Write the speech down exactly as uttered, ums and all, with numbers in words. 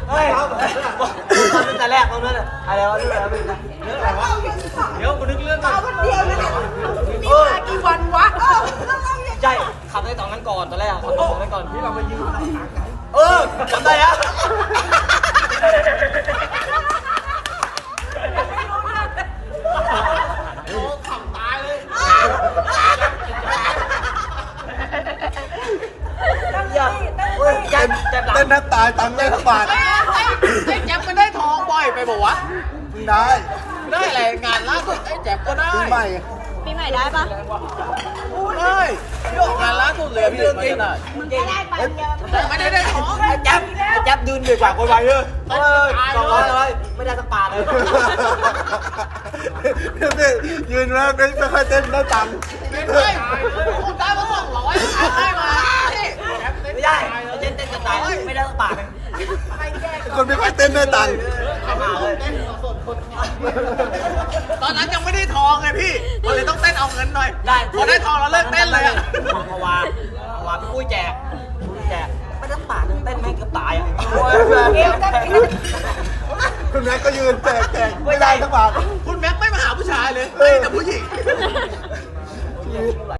เฮ้ยตอนตั้งแต่แรกตรงนั้นอะไรวะเรื่องอะไรเรื่องอะไรวะเดี๋ยวกูนึกเรื่องก่อนวันเดียวนี่มีมากี่วันวะใช่ขับได้ตอนนั้นก่อนตอนแรกขับตอนนั้นก่อนที่เรามายืนเออจำได้อะโอ้ขำตายเลยเจ็บเจ็บหลังเต้นแทบตายตังค์ได้ทั้งบาทไอ้แจ๊บมันได้ทองบ่อยไปบอกวะมึงได้ได้อะไรงานล่าสุดไอ้แจ๊บก็ได้ปีใหม่ปีใหม่ได้ปะได้พี่ออกงานล่าสุดเลยพี่เรื่องจริงมึงก็ได้ไปเดียวไม่ได้ได้ทองไอ้แจ๊บไอ้แจ๊บดืนเดือดกว่าคนไวเลยเออสองร้อยเลยไม่ได้สักบาทเลยเนี่ยยืนแล้วไม่ค่อยเต้นได้ตังค์เฮ้ยคุณได้มาสองร้อยได้มาไม่ได้เต้นเต้นจะตายไม่ได้สักบาทเลยคนไม่ค่อยเต้นได้ตังค์เข้ามาเลยตอนนั้นยังไม่ได้ทองไงพี่มันเลยต้องเต้นเอาเงินหน่อยได้พอได้ทองแล้วเลิกเต้นเลยอะเพราะว่าเพราะว่าพี่ปุ้ยแจกแจกไม่ได้สักบาทเต้นแม่งเกือบตายอ่ะคุณแม็กก็ยืนแจกแจกไม่ได้ทั้งบาทคุณแม็กไม่มาหาผู้ชายเลยเต้นแต่ผู้หญิง